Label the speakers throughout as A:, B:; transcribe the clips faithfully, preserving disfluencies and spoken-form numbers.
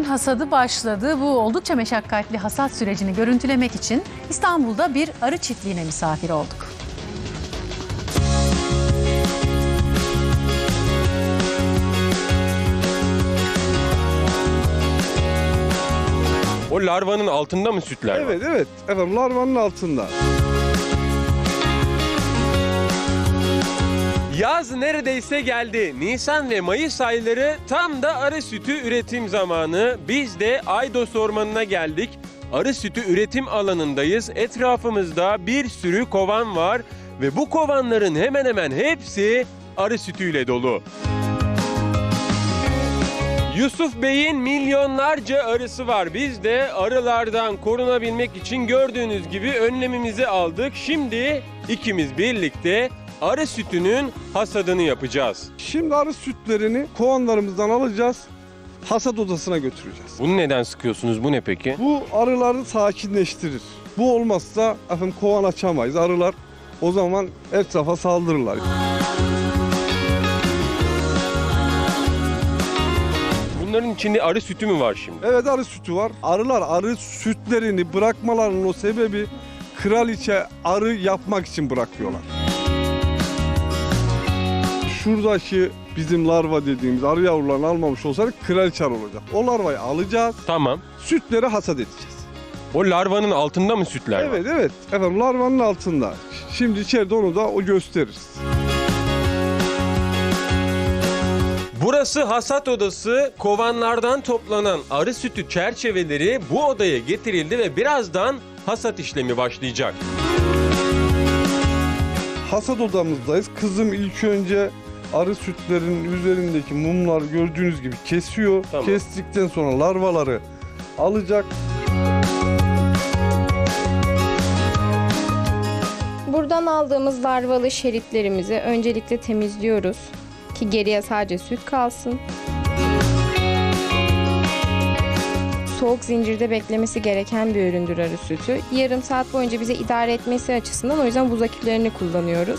A: hasadı başladı. Bu oldukça meşakkatli hasat sürecini görüntülemek için İstanbul'da bir arı çiftliğine misafir olduk.
B: O larvanın altında mı sütler var?
C: Evet, evet. Efendim larvanın altında.
B: Yaz neredeyse geldi. Nisan ve Mayıs ayları tam da arı sütü üretim zamanı. Biz de Aydos Ormanı'na geldik. Arı sütü üretim alanındayız. Etrafımızda bir sürü kovan var ve bu kovanların hemen hemen hepsi arı sütüyle dolu. Yusuf Bey'in milyonlarca arısı var. Biz de arılardan korunabilmek için gördüğünüz gibi önlemimizi aldık. Şimdi ikimiz birlikte arı sütünün hasadını yapacağız.
C: Şimdi arı sütlerini kovanlarımızdan alacağız. Hasat odasına götüreceğiz.
B: Bunu neden sıkıyorsunuz? Bu ne peki?
C: Bu arıları sakinleştirir. Bu olmazsa efendim kovan açamayız. Arılar o zaman etrafa saldırırlar.
B: Bunların içinde arı sütü mü var şimdi?
C: Evet, arı sütü var. Arılar arı sütlerini bırakmalarının o sebebi kraliçe arı yapmak için bırakıyorlar. Şuradaki bizim larva dediğimiz arı yavrularını almamış olsaydık kraliçe arı olacak. O larvayı alacağız,
B: Tamam.
C: sütleri hasat edeceğiz.
B: O larvanın altında mı sütler var?
C: Evet, evet. Efendim larvanın altında. Şimdi içeride onu da o gösteririz.
B: Burası hasat odası. Kovanlardan toplanan arı sütü çerçeveleri bu odaya getirildi ve birazdan hasat işlemi başlayacak.
C: Hasat odamızdayız. Kızım ilk önce arı sütlerinin üzerindeki mumlar gördüğünüz gibi kesiyor.
B: Tamam.
C: Kestikten sonra larvaları alacak.
D: Buradan aldığımız larvalı şeritlerimizi öncelikle temizliyoruz ki geriye sadece süt kalsın. Soğuk zincirde beklemesi gereken bir üründür arı sütü. Yarım saat boyunca bize idare etmesi açısından o yüzden buz akülerini kullanıyoruz.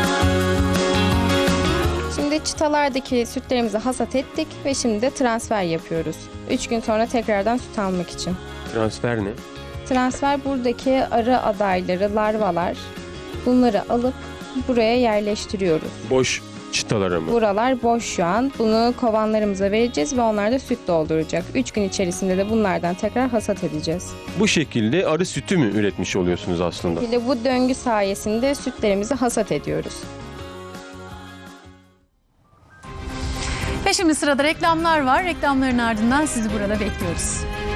D: Şimdi çıtalardaki sütlerimizi hasat ettik ve şimdi de transfer yapıyoruz. üç gün sonra tekrardan süt almak için.
B: Transfer ne?
D: Transfer buradaki arı adayları, larvalar, bunları alıp buraya yerleştiriyoruz.
B: Boş çıtalara mı?
D: Buralar boş şu an. Bunu kovanlarımıza vereceğiz ve onlar da süt dolduracak. üç gün içerisinde de bunlardan tekrar hasat edeceğiz.
B: Bu şekilde arı sütü mü üretmiş oluyorsunuz aslında?
D: Bir de bu döngü sayesinde sütlerimizi hasat ediyoruz.
A: Ve şimdi sırada reklamlar var. Reklamların ardından sizi burada bekliyoruz.